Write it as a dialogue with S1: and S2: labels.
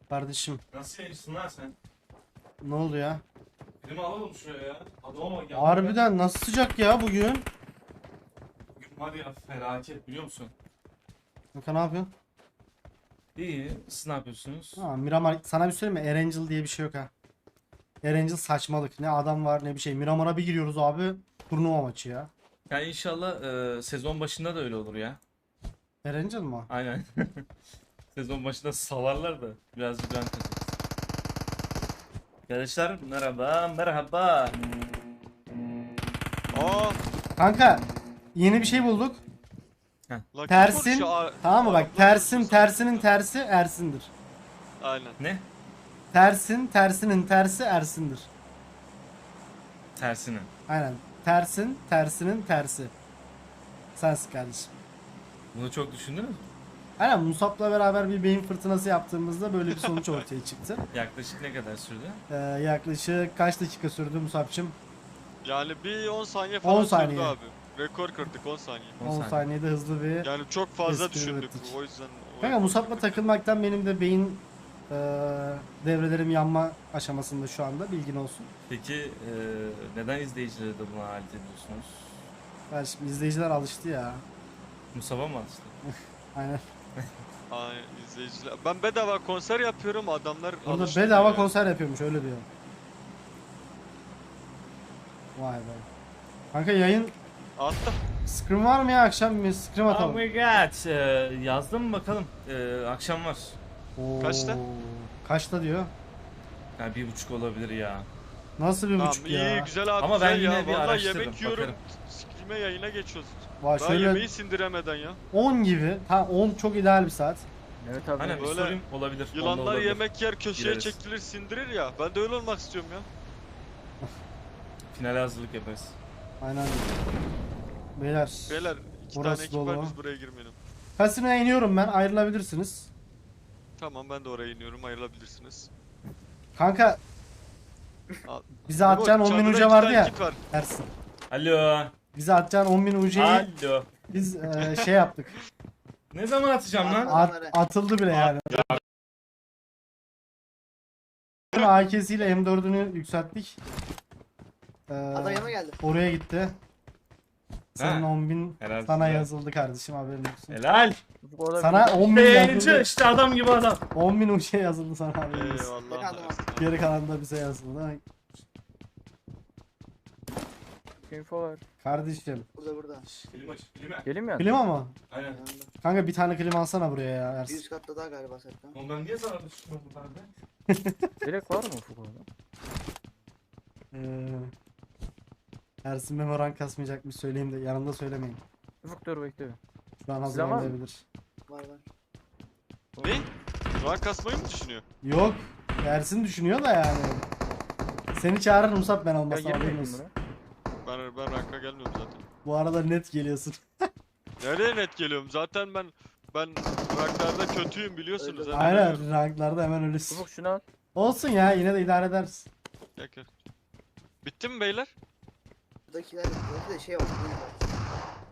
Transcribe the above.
S1: Kardeşim
S2: Nasıl yayıncısın lan sen?
S1: ne oldu ya?
S2: Filmi alalım şuraya ya. Adama bak ya.
S1: Harbiden nasıl sıcak ya bugün?
S2: Bugün var ya felaket biliyor musun?
S1: Kanka ne yapıyorsun?
S2: İyi. Siz ne yapıyorsunuz?
S1: Ha, Miramar sana bir söyleyeyim mi? Erangel diye bir şey yok ha. Erangel saçmalık. Ne adam var ne bir şey. Miramar'a bir giriyoruz abi. Turnuva maçı ya.
S2: Ya inşallah sezon başında da öyle olur ya.
S1: Erangel mi o?
S2: Aynen. Sezon başında salarlar da birazcık ben kaçarız. Arkadaşlar merhaba merhaba.
S3: Aa,
S1: Kanka yeni bir şey bulduk.
S3: lan kim
S1: Tersin.
S3: konuşuyor?
S1: Tamam mı bak
S3: Araplar
S1: tersin
S3: konuşuyor
S1: tersinin
S3: sanki.
S1: tersi Ersin'dir.
S3: Aynen.
S2: Ne?
S1: Tersin tersinin tersi Ersin'dir.
S2: Tersini.
S1: Aynen. Tersin tersinin tersi. Sensin kardeşim.
S2: Bunu çok düşündünüz mü?
S1: Aynen Musab'la beraber bir beyin fırtınası yaptığımızda böyle bir sonuç ortaya çıktı.
S2: Yaklaşık ne kadar sürdü?
S1: Yaklaşık kaç dakika sürdü Musab'cığım?
S3: Yani bir 10 saniye
S1: 10
S3: falan
S1: saniye.
S3: sürdü abi. Rekor kırdık 10 saniye.
S2: 10
S1: 10
S2: saniye.
S1: saniyede hızlı bir...
S3: Yani çok fazla
S1: Espri
S3: düşündük
S1: ürettik.
S3: o yüzden. o
S1: Kanka
S3: rekor
S1: Musab'la
S3: kırdık.
S1: takılmaktan benim de beyin devrelerim yanma aşamasında şu anda, bilgin olsun.
S2: Peki neden izleyicilere de buna alet ediyorsunuz?
S1: Yani şimdi izleyiciler alıştı ya.
S2: Musab'a mı alıştı?
S1: Aynen.
S3: Aynen izleyiciler. Ben bedava konser yapıyorum adamlar
S1: Orada
S3: alıştı
S1: bedava
S3: ya.
S1: konser yapıyormuş, öyle diyor. Vay be. Kanka yayın
S3: Attım.
S1: scrim var mı ya, akşam bir scrim
S2: Oh
S1: atalım.
S2: my god. Yazdım bakalım. Akşam var.
S1: Oo,
S3: Kaçta?
S1: Kaçta diyor.
S2: Yani 1.30 olabilir ya.
S1: Nasıl bir
S3: Tamam
S1: buçuk
S3: iyi
S1: ya?
S3: güzel abi
S2: Ama ben
S3: güzel
S2: yine
S3: ya.
S2: bir
S3: Vallahi
S2: araştırırım,
S3: yemek yiyorum.
S2: bakarım.
S3: Sikime yayına geçiyoruz.
S1: Vay
S3: Daha
S1: şöyle
S3: yemeği sindiremeden ya.
S1: 10 gibi. Ha 10 çok ideal bir saat.
S4: Evet abi.
S2: Aynen bir
S3: Böyle
S2: sorayım olabilir. Onda
S3: Yılanlar
S2: olabilir.
S3: yemek yer köşeye
S2: Gireriz.
S3: çekilir sindirir ya. Ben de öyle olmak istiyorum ya.
S2: Finale hazırlık yaparız.
S1: Aynen. Beyler.
S3: Beyler iki
S1: Burası
S3: tane ekip var
S1: dolu.
S3: biz buraya girmeyelim.
S1: Kasinoya iniyorum ben, ayrılabilirsiniz.
S3: Tamam ben de oraya iniyorum ayrılabilirsiniz.
S1: Kanka
S3: Al.
S1: bize
S3: Memo,
S1: atacağın 10.000
S3: çadırda
S1: uca
S3: iki
S1: vardı
S3: tane
S1: ya.
S3: kit var.
S1: Ersin.
S2: Alo.
S1: Bize atacağın 10.000 ucayı
S2: Alo.
S1: biz şey yaptık.
S2: Ne zaman atacağım lan?
S1: Atıldı bile yani. AK'siyle M4'ünü yükselttik.
S5: Adam yanıma geldi.
S1: Oraya gitti. Senin
S2: Ha.
S1: 10.000
S2: Helal
S1: sana
S2: size.
S1: yazıldı kardeşim, haberin olsun.
S2: Helal.
S4: Orada
S1: Sana
S4: bir-
S1: 10.000
S2: Beğenici
S1: yazıldı.
S2: işte adam gibi adam.
S1: 10.000 uca yazıldı sana, haberin olsun.
S3: Eyvallah.
S5: Bakalım.
S3: Ersin.
S1: Geri kalan da bize yazıldı.
S4: info var.
S1: Kardeşim.
S5: Burada.
S2: Klima aç, klima.
S4: Gelin mi?
S1: Klima mı?
S2: Aynen.
S5: Yanında.
S1: Kanka bir tane klima alsana buraya ya
S5: Bir
S1: Ersin.
S5: üst katta daha galiba zaten.
S2: Oğlum ben niye sana düşmüyorum bu tarafa?
S4: Direkt var mı ufuk orada?
S1: Ee, Ersin Memo rank kasmayacakmış, söyleyeyim de yanımda söylemeyin.
S4: Ufuk dur bekle.
S1: Şu an
S4: Silah var mı?
S1: hazırlanabilir.
S5: Var var.
S3: Ne? Rank kasmayı mı düşünüyor?
S1: Yok. Ersin düşünüyor da yani. Seni çağırır Musab ben
S4: Ya
S1: olmasam, haberin
S4: girmeyin
S1: olsun.
S4: buna.
S3: Ben ranka gelmiyorum zaten.
S1: Bu arada net geliyorsun.
S3: Nereye net geliyorum? Zaten ben ranklarda kötüyüm biliyorsunuz.
S5: Öyle.
S3: hemen
S1: Aynen,
S3: ölüyorum.
S1: ranklarda hemen ölürsün.
S4: Ufuk şunu al.
S1: Olsun ya, yine de idare edersin.
S3: Gel, gel. Bitti mi beyler?
S5: Buradakiler de şey var.